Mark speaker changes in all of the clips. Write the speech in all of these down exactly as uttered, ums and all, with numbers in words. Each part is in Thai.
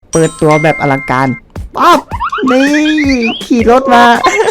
Speaker 1: เปิดตัวแบบอลังการป๊อบนี่ขี่รถมา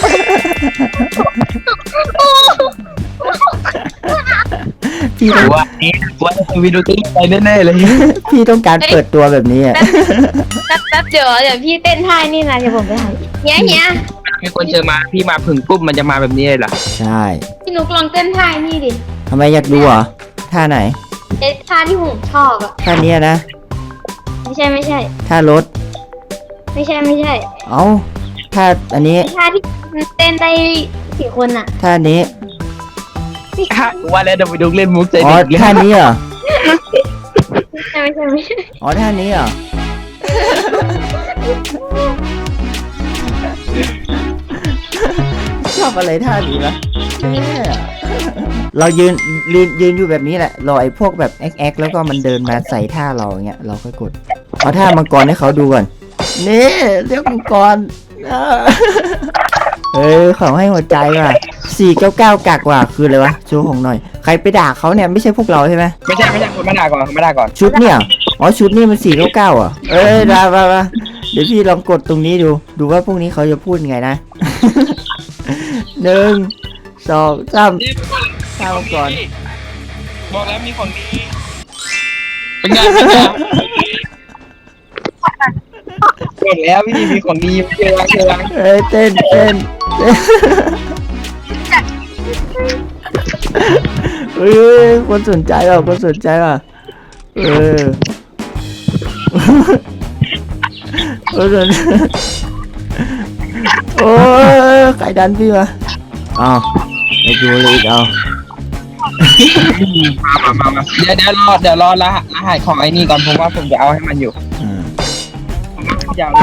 Speaker 1: พี่ต้อง
Speaker 2: ว่าเอ๊ะว่าวิดีโอต้องไปแน่ๆเลย
Speaker 1: พี่ต้องการเปิดตัวแบบนี้อ่ะ
Speaker 3: แป๊บแป๊บเดี๋ยวเดี๋ยวพี่เต้นท่านี่นะเดี๋ยวผมไปถ่ายเนี้ยเนี้ย
Speaker 2: มีคนเจอมาพี่มาผึ่งปุ๊บมันจะมาแบบนี้เลยเหรอ
Speaker 1: ใช่
Speaker 3: พี่นุกลองเต้นท่านี่ดิ
Speaker 1: ทำไมอยากดูเหรอท่าไหน
Speaker 3: เอ๊ะท่าที่ผมชอบอะ
Speaker 1: ท่านี้นะ
Speaker 3: ไม่ใช่ไม่ใช่
Speaker 1: ท่ารถ
Speaker 3: ไม่ใช่ไม่ใช่
Speaker 1: เอ้าท่าอันนี้
Speaker 3: ท่าที่เต้นได้สี่คนอะ
Speaker 1: ท่านี้
Speaker 2: ว่าแล้วเดี๋ยวไปดูเล่นมุกใจ
Speaker 1: อ๋อ
Speaker 2: เด็กเลย
Speaker 1: ท่านี้เหรอ
Speaker 3: ไม่ใช่ไม่ใช่ไม่ใช่
Speaker 1: อ๋อท่านี้เหรอชอบอะไรท่านี้วะแม่เรายืนยืนยืนอยู่แบบนี้แหละรอไอ้พวกแบบแอ๊กแอ๊กแล้วก็มันเดินมาใส่ท่าเราอย่างเงี้ยเราก็กดเอาท่ามังกรให้เขาดูก่อนนี่เรียกมังกรเออเออเขาให้หัวใจว่ะสี่เก้าเก้ากากว่ะคืออะไรวะโชว์ของหน่อยใครไปด่าเขาเนี่ยไม่ใช่พวกเราใช่ไหม
Speaker 2: ไม่ใช่ไม่ใช่คนมาด่าก่อนมาด่าก่อน
Speaker 1: ชุดเนี่ยอ๋อชุดนี่มันสี่เก้าเก้าอ่ะเอ้ยได้มามาเดี๋ยวพี่ลองกดตรงนี้ดูดูว่าพวกนี้เขาจะพูดไงนะ หนึ่งสองสามข้าวก่อน
Speaker 2: บอกแล้วมีของดีเป็นไงเป็นไงบอกแล้วพี่มีของดีเจอเจอ
Speaker 1: เอ้ยเต้นเต้นเต้นเฮ้ยคนสนใจว่ะคนสนใจว่ะเออคนสนใจโอ้ยใครดันพี่มาอ้าวไปดูเลยอีกเอา
Speaker 2: มามามาเดี๋ยวเดี๋ยวรอเดี๋ยวรอรหัสรหัสของไอ้นี่ก่อนผมว่าผมจะเอาให้มันอยู่
Speaker 1: อืม
Speaker 2: ยาว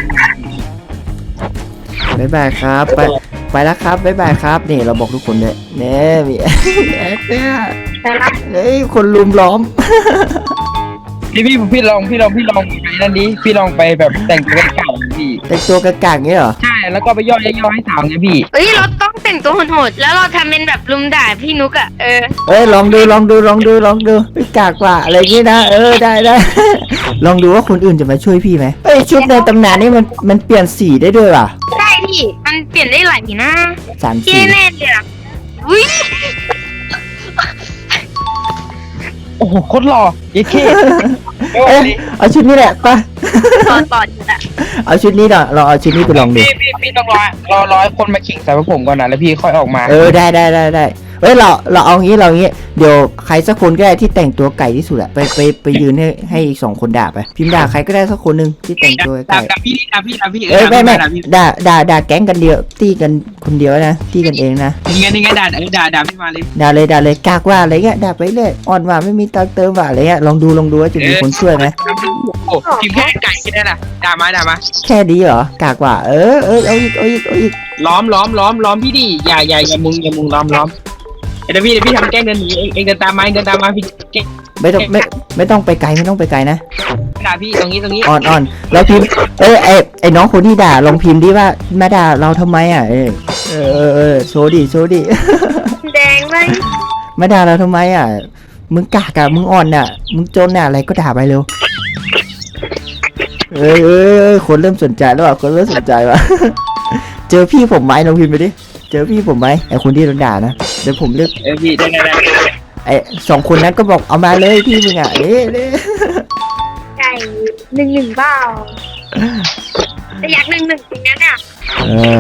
Speaker 1: บ๊ายบายครับไปไปแล้วครับบ๊ายบายครับนี่เราบอกทุกคนเลยเน่มีแอ๊กเนี่ยเฮ้ยคนลุมล้อม
Speaker 2: พี่พี่พี่ลองพี่ลองพี่ลองไปนั่นดิพี่ลองไปแบบแต่งตัวเก่าพี่
Speaker 1: แต่งตัวกากๆเงี้ยเหรอ
Speaker 2: ใช่แล้วก็ไปย่อยย่อให้สาวไงพี่
Speaker 3: เอ้ยเราต้องแต่งตัวโหดๆแล้วเราทำเป็นแบบลุมด่าพี่นุกอะเออ
Speaker 1: เอ้ยลองดูลองดูลองดูลองดูไม่กากกว่าอะไรงี้นะเออได้ได้ ลองดูว่าคนอื่นจะมาช่วยพี่ไหมเอ้ยชุดในตำนานนี่มันมันเปลี่ยนสีได้ด้วยว่ะ
Speaker 3: ใช่พี่มันเปลี่ยนได้หลายสีนะ
Speaker 1: สาม
Speaker 3: พี่
Speaker 1: สี
Speaker 3: แน่เลยอะอุ้ย
Speaker 2: โอ้โหโคตรหล่อเย้เค
Speaker 1: เอ้ยเอาชุดนี้แหละไป
Speaker 3: ตอนต่อจุดอะ
Speaker 1: เอาชุดนี้เนาะเราเอาชุดนี้ไปลองดู
Speaker 2: พี่พี่พี่ต้องรอรอรอให้คนมาขิงใส่พวกผมก่อนนะแล้วพี่ค่อยออกมา
Speaker 1: เออได้ได้ได้ได้เอ้ยเราเราเอางี้เรางี้เดี๋ยวใครสักคนก็ได้ที่แต่งตัวไก่ที่สุดอะไปไปไปยืนให้ให้อีกสองคนด่าไปพิมพ์ด่าใครก็ได้สักคนหนึ่งที่แต่งตัวไก่
Speaker 2: ด่าพี่ด่าพี่ด่าพี่
Speaker 1: เอ้ยไม่ไม่
Speaker 2: ด่าพี่
Speaker 1: ด่าด่าด่าแก๊งกันเดียวตีกันคนเดียวนะตีกันเองนะ
Speaker 2: นี่ไงนี่ไงด่าเออด่าด่าพี่มาเลย
Speaker 1: ด่าเลยด่าเลยกากว่าอะไรเงี้ยด่าไปเรื่อยอ่อนว่าไม่มีตังค์เติมว่าอะไรเงี้ยลองดูลองดูว่าจะมีคนช่วยไหม
Speaker 2: โอ้พิมพ์แค่ไก่แค่นั้นนะด่ามาด่ามา
Speaker 1: แค่ดีเหรอกากว่าเออเออเอาอีกเอาอีกเอาอีก
Speaker 2: ล้อมล้อมล้อมล้อมพี่ดิอย่าอย่าอย่ามุงอย่ามุงล้อมล้อมเดี๋ยวพี่เดี๋ยวพี่ทำแกล้งเดินหนีเองเองเดินตามมาเองเดินตามมาพี่แกล้ง
Speaker 1: ไม่ต้องไม่ไม่ต้องไปไกลไม่ต้องไปไกลนะ
Speaker 2: ด่าพี่ตรงนี้ตรงนี้
Speaker 1: อ่อนอ่อนแล้วพิมพ์เอ้ยไอไอน้องคนที่ด่าลองพิมพ์ดิว่ามาด่าเราทำไมอ่ะเออเออเออเออโชว์ดิโชว์ดิ
Speaker 3: แดงเลย
Speaker 1: มาด่าเราทำไมอ่ะมึงกากอะมึงอ่อนน่ะมึงจนน่ะอะไรก็ด่าไปเร็วเอ้ยเอ้ยเอ้ยคนเริ่มสนใจแล้วอ่ะคนเริ่มสนใจว่ะ เจอพี่ผมไหมลองพิมพ์ไปดิเจอพี่ผมไหมไอคนที่โดนด่านะเดี๋ยวผมเลือก
Speaker 2: เออพี่ได้ได้ได้
Speaker 1: ไอสองคนนั้นก็บอกเอามาเลยพี่มึงอ่ะเด้เด้
Speaker 3: ไก่หนึ่งหนึ่งเปล่าแต่อยากหนึ่งหนึ่งจริงนะเนี่ย
Speaker 1: เออ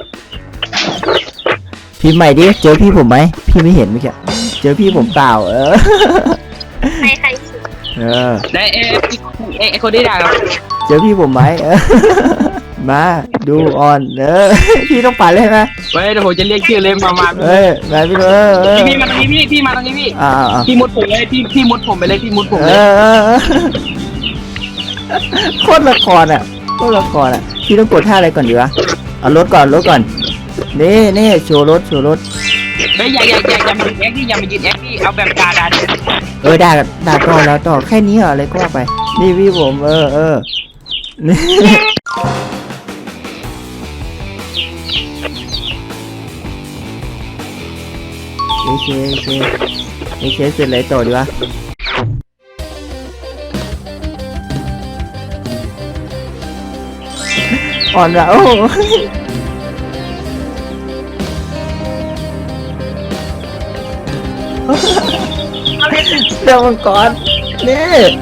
Speaker 1: พิมพ์ใหม่ดิเจอพี่ผมไหมพี่ไม่เห็นเมื่อกี้เจอพี่ผมเปล่าเออ
Speaker 3: ใครใคร
Speaker 1: เออ
Speaker 2: ได้เออไอไอคนที่ด่าเรา
Speaker 1: เจอพี่ผมไหมเออ มาดูออนเออ พี่ต้องปั่นเลยไหม
Speaker 2: เฮ้ยเดี๋ยวผมจะเรียกชื่อเลยมามา
Speaker 1: เอ้ยมาพี่เออเออ
Speaker 2: พี่มาตรงนี้พี่พี่มาตรงนี้พี่
Speaker 1: อ่าอ่า
Speaker 2: พี่มุดผมเลยพี่พี่มุดผมไปเลยพี่มุดผม
Speaker 1: เอ
Speaker 2: เลย
Speaker 1: อเออเออโคตรละครอ่ะโคตรละครอ่ะพี่ต้องกดท่าอะไรก่อนดีวะเอารถก่อนรถก่อนนี่นี่โชว์รถโชว์รถ
Speaker 2: เฮ้ยอย่าอย่าอย่าอย่ามายืนแอคพี่อย่ามายืนแอคพี่เอาแบบด่าด่า
Speaker 1: เออด่าด่าต่อแล้วต่อแค่นี้เหรออะไรก็ว่าไปนี่พี่ผมเออเออนี่โอเคโอเคโอเคเสร็จเลยต่อดีวะอ่อนละโอ้เดี๋ยวมังกรนี่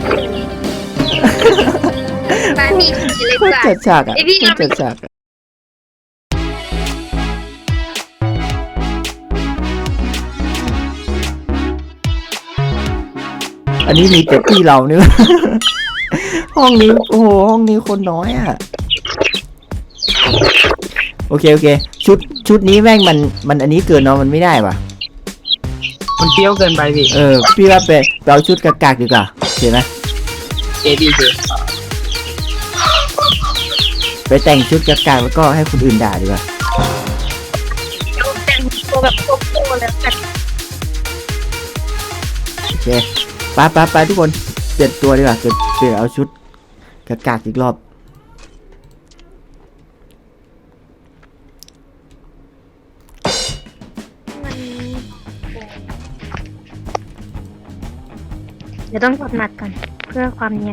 Speaker 3: มาพี่เล็ก
Speaker 1: โค
Speaker 3: ก
Speaker 1: ตร
Speaker 3: ว่า
Speaker 1: จัดฉากอ่ะ
Speaker 3: ไอ้พี่
Speaker 1: โคตรจัดฉากอะอันนี้มีแต่ที่เราเนี่ย ห้องนี้โอ้โหห้องนี้คนน้อยอ่ะโอเคโอเคชุดชุดนี้แม่งมันมันอันนี้เกินเนาะมันไม่ได้ป่ะ
Speaker 2: มันเปรี้ยวเกินไปพี่
Speaker 1: เออพี่ว่าไปไปเอาชุดกากๆดีกว่าโอเคไหม
Speaker 2: เจดีเจ
Speaker 1: ไปแต่งชุดกากๆแล้วก็ให้คนอื่นด่าดีกว่า
Speaker 3: แต่งตัวแบบโกโก้แล้วกัน
Speaker 1: โอเคไปไปไปทุกคนเปลี่ยนตัวดีกว่าเปลี่ยนเปลี่ยนเอาชุดกากๆอีกรอบ
Speaker 3: มันเดี๋ยวต้องกดหมัดก่อนเพื่อความเนียน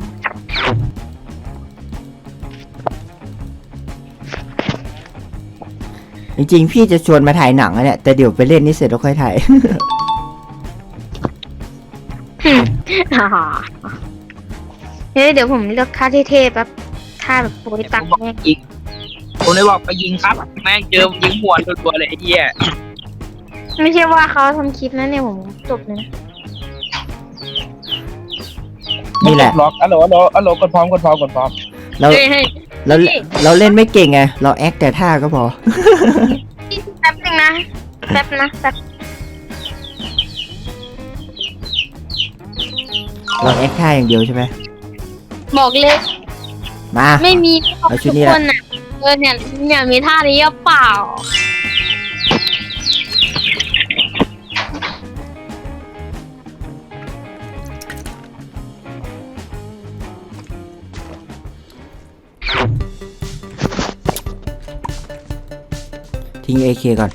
Speaker 1: จริงๆพี่จะชวนมาถ่ายหนังอะเนี่ยแต่เดี๋ยวไปเล่นนี่เสร็จแล้วค่อยถ่าย
Speaker 3: อ่าเฮ้ยเดี๋ยวผมเลือกท่าเท่ๆแป๊บท่าแบบโปรยตังค์แม่ง
Speaker 2: อีกผมเลยบอกไปยิงครับแม่งเจอยิงหัวตัวๆเลยไอ้เหี้ย
Speaker 3: ไม่ใช่ว่าเขาทำคลิปนะเนี่ยผมจบเลยนะ
Speaker 1: นี่แหละ
Speaker 2: ล็อกอัลโหลอัลโหลอัลโหลกดพร้อมกดพร้อมกดพร้อม
Speaker 1: เรา
Speaker 3: เฮ้ยเฮ้ย
Speaker 1: เราเราเล่นไม่เก่งไงเราแอคแต่ท่าก็พอ
Speaker 3: แป๊บนึงนะแป๊บนะแป๊บ
Speaker 1: เราแอคท่าอย่างเดียวใช่ไหม
Speaker 3: บอกเลย
Speaker 1: มา
Speaker 3: ไม่มี
Speaker 1: เอาชุดนี้
Speaker 3: ทุก
Speaker 1: แห
Speaker 3: ค
Speaker 1: ละ
Speaker 3: นอ่ะเออเนี่ยเนี่ยมีท่านี้หรือเปล่า
Speaker 1: ทิ้ง เอ เค ก่อน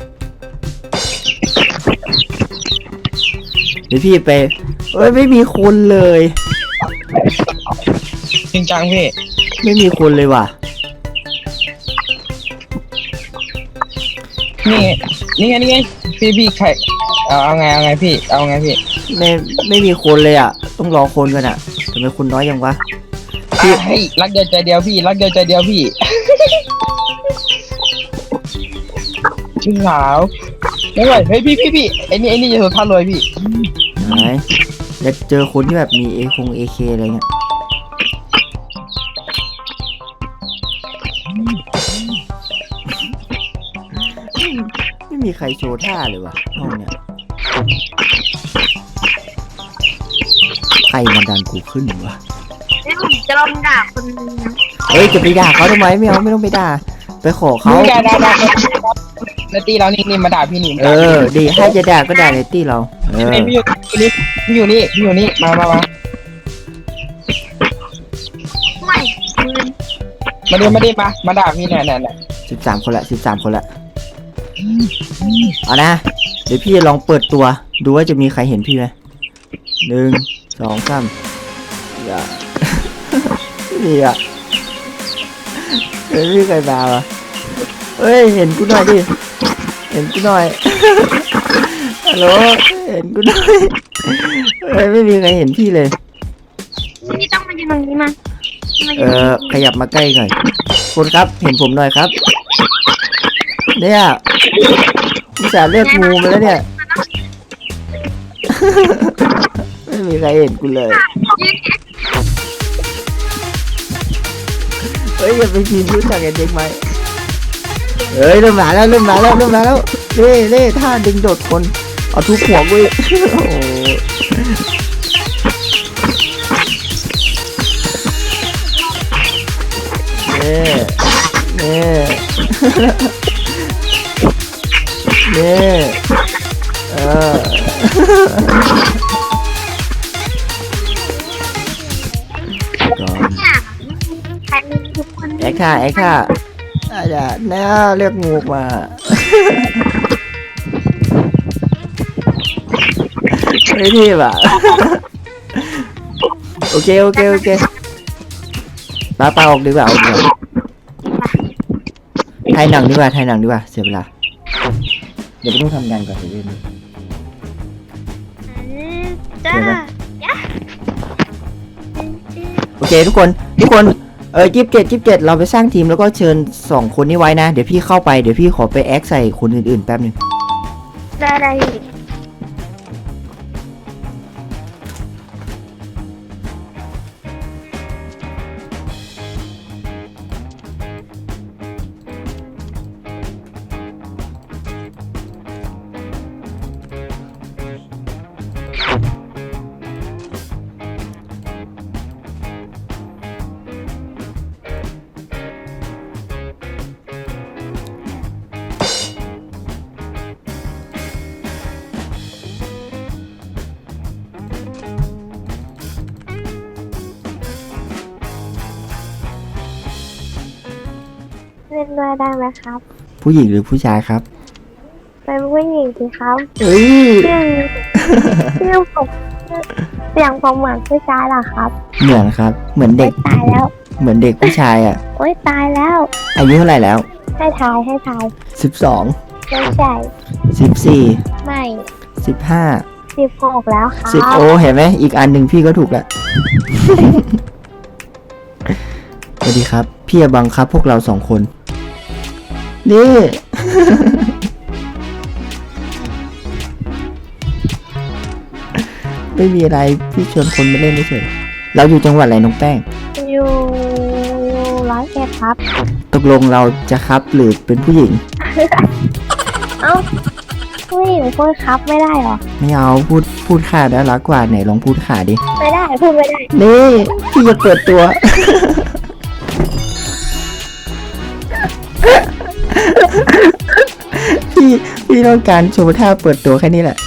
Speaker 1: เดี๋ยวพี่ไปเอ้ยไม่มีคนเลย
Speaker 2: จริงจังพี่
Speaker 1: ไม่มีคนเลยว่ะ
Speaker 2: นี่นี่ไงนี่ไงพี่พี่ใครเอาเอาไงเอาไงพี่เอาไงพี่
Speaker 1: ไม่ไม่มีคนเลยอ่ะต้องรอคนกันอ่ะทำไมคนน้อยยังวะ
Speaker 2: อ่ะเฮ้ยรักเดียวใจเดียวพี่รักเดียวใจเดียวพี่ ชื่อสาวไม่ไหวเฮ้ยพี่พี่พี่ไอ้นี่ไอ้นี่จะสุดท่ารวยพี่
Speaker 1: ไหนอยากเจอคนที่แบบมีเอคงเอเคอะไรเงี้ยไม่มีใครโชว์ท่าเลยว่ะห้องเนี้ยใครมาดันกูขึ้นวะ
Speaker 3: นี่ผมจะลองด่าคนนึงนะ
Speaker 1: เฮ้ยจะไปด่าเขาทำไมไม่เอาไม่ต้องไปด่าไปขอเขา
Speaker 2: มึงด่าด่าด่าแล้วตีเรานี่นี่มาด่าพี่หนิม
Speaker 1: เออดีให้จะด่าก็ด่าในตี้เราเออ
Speaker 2: พี่อยู่นี่พี่อยู่นี่พี่อยู่นี่มามามา
Speaker 3: ไม่คืน
Speaker 2: มาดิมาดิมามาด่าพี่เนี่ยเนี่ยเนี่ย
Speaker 1: สิบสามคนละสิบสามคนละเอานะเดี๋ยวพี่จะลองเปิดตัวดูว่าจะมีใครเห็นพี่ไหมหนึ่งสองสามอย่า นี่อ่ะเฮ้ยมีใครมาวะเฮ้ยเห็นกูหน่อยดิเห็นกูหน่อย ฮัลโหลเห็นกูหน่อยเฮ้ยไม่มีใครเห็นพี่เลย
Speaker 3: พี่ต้องมายืนตรงนี้มามา
Speaker 1: เอ
Speaker 3: ยืน
Speaker 1: อขยับมาใกล้หน่อยคนครับเห็นผมหน่อยครับเนี่ยมิจฉาเลือกงูมาแล้วเนี่ย ไม่มีใครเห็นกูเลย
Speaker 3: ยืน
Speaker 1: เฮ้ยอย่าไปพิมพ์รู้จักกันเด็กไหมเฮ้ยเริ่มมาแล้วเริ่มมาแล้วเริ่มมาแล้วเล่เล่ท่าดึงโดดคนเอาทุบหัวกูอีกโอ้โหเน่เน่เน่เออ ก่อน
Speaker 3: เนี่ยใครมีทุกคน
Speaker 1: แอคท่าแอคท่าอาจจะแน่เรียกงูมา ไม่ทีบอ่ะ โอเคโอเคโอเคปาปาออกดีกว่าออกดีกว่าถ่ายหนังดีกว่าถ่ายหนังดีกว่าเสียเวลาเดี๋ยวไปต้องทำงานก่อนเดี๋ยวเรื่องนี้
Speaker 3: จ้า
Speaker 1: โอเคทุกคนทุกคนเออยี่สิบเจ็ดยี่สิบเจ็ดเราไปสร้างทีมแล้วก็เชิญสองคนนี้ไว้นะเดี๋ยวพี่เข้าไปเดี๋ยวพี่ขอไปแอคใส่คนอื่นๆแป๊บหนึง
Speaker 3: ได้ได้ เล่นด้วยได้ไหมครับ
Speaker 1: ผู้หญิงหรือผู้ชายครับ
Speaker 3: เป็นผู้หญิงสิครับ
Speaker 1: เอ้ย
Speaker 3: เรื่องเรื่องผมเสียงผมเหมือนผู้ชายเหรอครับ
Speaker 1: เหมือนครับ เหมือนเด็ก
Speaker 3: ตายแล้ว
Speaker 1: เหมือนเด็กผู้ชายอ่ะ
Speaker 3: โอ๊ยตายแล้ว
Speaker 1: อายุเท่าไหร่แล้ว
Speaker 3: ให้ทายให้ทาย
Speaker 1: สิบสอง
Speaker 3: ไม่ใช่
Speaker 1: สิบสี่
Speaker 3: ไม่
Speaker 1: สิบห้า
Speaker 3: สิบหกแล้วครับ
Speaker 1: สิบโอเห็นไหมอีกอันหนึ่งพี่ก็ถูกแล้ว สวัสดีครับ พี่จะบังคับพวกเราสองคน นี่ ไม่มีอะไรพี่ชวนคนมาเล่นเฉยๆเราอยู่จังหวัดอะไรน้องแป้ง
Speaker 3: อยู่ร้อยเอ็ดครับ
Speaker 1: ตกลงเราจะครับหรือเป็นผู้หญิง
Speaker 3: เอ้าผู้หญิงพูดครับไม่ได้เหรอ
Speaker 1: ไม่เอาพูดพูดขาดแล้วรักกว่าไหนลองพูดขาดิ
Speaker 3: ไม่ได้พูดไม่ได้
Speaker 1: นี่พี่จะเปิดตัว พี่พี่ต้องการโชว์ท่าเปิดตัวแค่นี้แหละ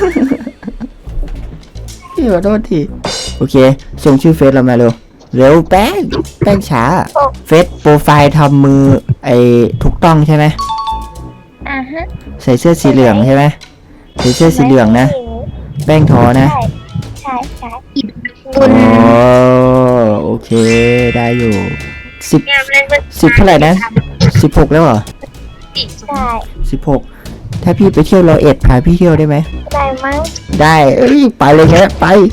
Speaker 1: พี่ขอโทษทีโอเค ส่งชื่อเฟซเรามาเร็ว เร็วแป้งแป้งช้า เฟซโปรไฟล์ทำมือไอ้ถูกต้องใช่ไหม
Speaker 3: อ่าฮะ
Speaker 1: ใส่เสื้อสีเหลืองใช่ไหมใส่เสื้อสีเหลืองนะ แป้งทอนะ
Speaker 3: ใช่ใช่ใช่
Speaker 1: อ๋อโอเคได้อยู่สิบ
Speaker 3: งามเล่น
Speaker 1: สิบเท่าไหร่นะสิบหกแล้วเหรอ
Speaker 3: ใช่
Speaker 1: สิบหกถ้าพี่ไปเที่ยวร้อยเอ็ดพาพี่เที่ยวได้ไหม
Speaker 3: ได้มั้ง
Speaker 1: ได้เอ้ยไปเลยแค่ไป